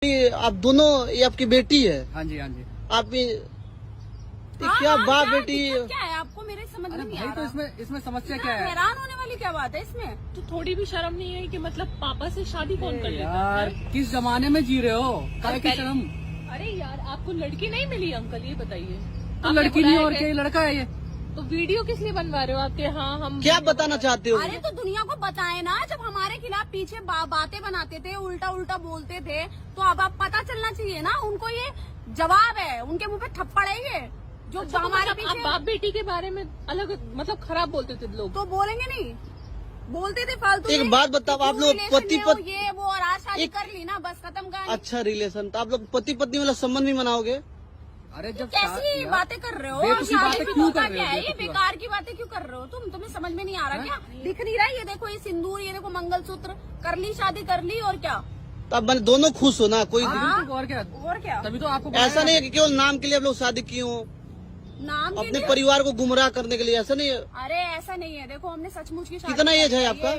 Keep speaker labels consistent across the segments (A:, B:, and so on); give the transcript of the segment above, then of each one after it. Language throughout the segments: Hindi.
A: आप दोनों, ये आपकी बेटी है?
B: हाँ जी, हाँ जी।
A: आपकी क्या बाप बेटी?
C: क्या है आपको मेरे समझ में नहीं आ रहा।
B: तो इसमें समस्या क्या है?
C: हैरान होने वाली क्या बात है इसमें?
D: तो थोड़ी भी शर्म नहीं है कि मतलब पापा से शादी कौन कर लेता
B: यार
D: है?
B: किस जमाने में जी रहे हो? काय की शर्म?
D: अरे यार आपको लड़की नहीं मिली अंकल, ये बताइए।
B: तो
D: आपने
B: लड़की नहीं
D: बुलाया
B: और
D: है?
B: क्या, ये लड़का है ये।
D: तो वीडियो किस लिए बनवा रहे हो आपके? हाँ हम
A: क्या बताना चाहते हो?
C: अरे तो दुनिया को बताए ना, जब हमारे खिलाफ पीछे बातें बनाते थे, उल्टा उल्टा बोलते थे, तो अब पता चलना चाहिए ना उनको। ये जवाब है, उनके मुंह पे थप्पड़ है ये जो
D: अच्छा, तो
C: हमारे
D: मतलब आप
C: पीछे।
D: बाप बेटी के बारे में अलग मतलब खराब बोलते थे लोग?
C: तो बोलेंगे नहीं, बोलते थे फालतू।
A: एक बात बताओ, आप लोग पति
C: ये वो और आज शादी कर ली ना, बस खत्म कहानी।
A: अच्छा रिलेशन, तो आप लोग पति पत्नी वाला संबंध भी मनाओगे?
B: अरे जब
C: कैसी बातें कर रहे हो?
B: बेवकूफी
C: शादी
B: बातें
C: में
B: क्यों
C: होता
B: कर रहे हो?
C: क्या है? ये
B: बेवकूफी
C: बेकार की बातें क्यों कर रहे हो तुम? तुम्हें समझ में नहीं आ रहा क्या? दिख नहीं रहा? ये देखो, ये सिंदूर, ये देखो मंगलसूत्र, कर ली शादी, कर ली और क्या?
A: तो आप दोनों खुश हो ना? कोई
B: बिल्कुल, और क्या?
C: और क्या?
B: तभी तो आपको
A: ऐसा नहीं है कि केवल नाम के लिए आप लोग शादी किए हो,
C: नाम के
A: अपने
C: लिए?
A: परिवार को गुमराह करने के लिए, ऐसा नहीं है?
C: अरे ऐसा नहीं है, देखो हमने सचमुच की शादी
A: कितना
C: की
A: एज है आपका?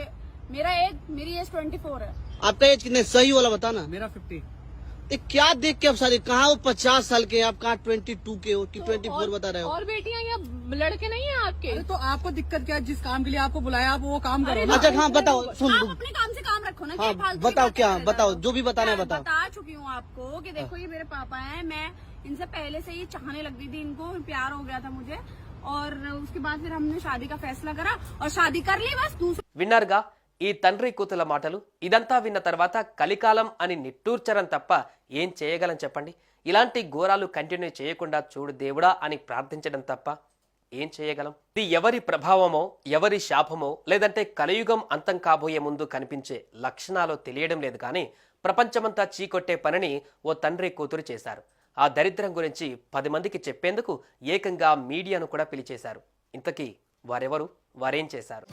C: मेरी एज 24 है।
A: आपका एज कितने? सही वाला बताना।
B: मेरा 50।
A: ये क्या देख के आप शादी, कहाँ वो 50 साल के हैं, आप कहाँ 22 के हो कि 24 बता रहे हो?
D: और बेटियां या लड़के नहीं है आपके?
B: अरे तो आपको दिक्कत क्या है? जिस काम के लिए आपको बुलाया आप वो काम करो ना।
A: अच्छा हाँ बताओ, सुन
C: आप अपने काम से काम रखो ना।
A: हाँ
C: क्या फालतू की
A: बताओ,
C: बातें
A: क्या
C: कर रहे
A: बताओ,
C: हो?
A: जो भी बताना है
C: मैं
A: बताओ।
C: बता चुकी हूँ आपको कि देखो ये मेरे पापा हैं, मैं इनसे पहले से ही चाहने लगती थी, इनको प्यार हो गया था मुझे, और उसके बाद फिर हमने शादी का फैसला करा और शादी कर ली बस। दूसरा
E: విన్నారుగా ఈ తండ్రి కూతుల మాటలు. ఇదంతా విన్న తర్వాత కలికాలం అని నిట్టూర్చరం తప్ప ఏం చేయగలం చెప్పండి? ఇలాంటి ఘోరాలు కంటిన్యూ చేయకుండా చూడు దేవుడా అని ప్రార్థించడం తప్ప ఏం చేయగలం? ఇది ఎవరి ప్రభావమో, ఎవరి శాపమో, లేదంటే కలియుగం అంతం కాబోయే ముందు కనిపించే లక్షణాలు తెలియడం లేదు కానీ ప్రపంచమంతా చీకొట్టే పనిని ఓ తండ్రి కూతురు చేశారు. ఆ దరిద్రం గురించి 10 మందికి చెప్పేందుకు ఏకంగా మీడియాను కూడా పిలిచేశారు. ఇంతకీ వారెవరు, వారేం చేశారు?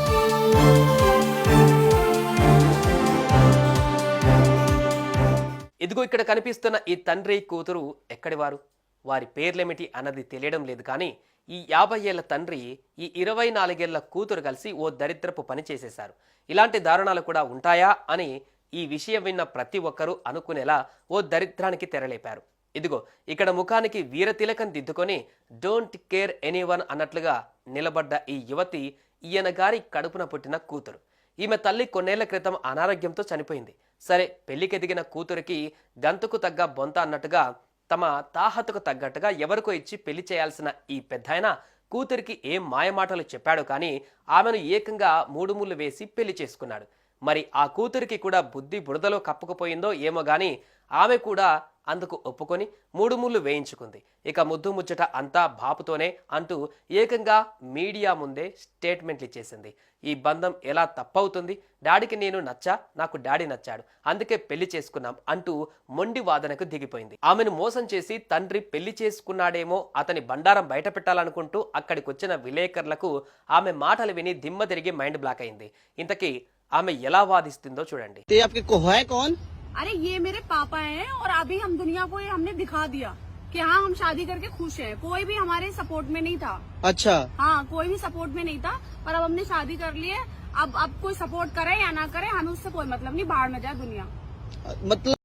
E: ఇదిగో ఇక్కడ కనిపిస్తున్న ఈ తండ్రి కూతురు ఎక్కడివారు, వారి పేర్లేమిటి అన్నది తెలియడం లేదు కానీ ఈ 50 ఏళ్ల తండ్రి ఈ 24 ఏళ్ల కూతురు కలిసి ఓ దరిద్రపు పని చేసేశారు. ఇలాంటి దారుణాలు కూడా ఉంటాయా అని ఈ విషయం విన్న ప్రతి ఒక్కరూ అనుకునేలా ఓ దరిద్రానికి తెరలేపారు. ఇదిగో ఇక్కడ ముఖానికి వీరతిలకం దిద్దుకొని డోంట్ కేర్ ఎనీవన్ అన్నట్లుగా నిలబడ్డ ఈ యువతి ఈయన గారి కడుపున పుట్టిన కూతురు. ఈమె తల్లి కొన్నేళ్ల క్రితం అనారోగ్యంతో చనిపోయింది. సరే, పెళ్లికెదిగిన కూతురికి గంతుకు తగ్గ బొంత అన్నట్టుగా తమ తాహతకు తగ్గట్టుగా ఎవరికో ఇచ్చి పెళ్లి చేయాల్సిన ఈ పెద్దాయన కూతురికి ఏం మాయమాటలు చెప్పాడు కానీ ఆమెను ఏకంగా 3 ముళ్ళు వేసి పెళ్లి చేసుకున్నాడు. మరి ఆ కూతురికి కూడా బుద్ధి బురదలో కప్పుకుపోయిందో ఏమో గాని ఆమె కూడా అందుకు ఒప్పుకొని 3 ముళ్ళు వేయించుకుంది. ఇక ముద్దు ముచ్చట అంతా బాపుతోనే అంటూ ఏకంగా మీడియా ముందే స్టేట్మెంట్లు ఇచ్చేసింది. ఈ బంధం ఎలా తప్పవుతుంది? డాడీకి నేను నచ్చా, నాకు డాడీ నచ్చాడు, అందుకే పెళ్లి చేసుకున్నాం అంటూ మొండి వాదనకు దిగిపోయింది. ఆమెను మోసం చేసి తండ్రి పెళ్లి చేసుకున్నాడేమో, అతని బండారం బయట పెట్టాలనుకుంటూ అక్కడికొచ్చిన విలేకరులకు ఆమె మాటలు విని దిమ్మ తిరిగి మైండ్ బ్లాక్ అయింది. ఇంతకీ ఆమె ఎలా వాదిస్తుందో చూడండి.
C: अरे ये मेरे पापा हैं और अभी हम दुनिया को ये हमने दिखा दिया कि हाँ हम शादी करके खुश हैं। कोई भी हमारे सपोर्ट में नहीं था।
A: अच्छा
C: हाँ, कोई भी सपोर्ट में नहीं था, पर अब हमने शादी कर ली है। अब कोई सपोर्ट करे या ना करे, हमें उससे कोई मतलब नहीं, बाहर में जाए दुनिया।
A: मतलब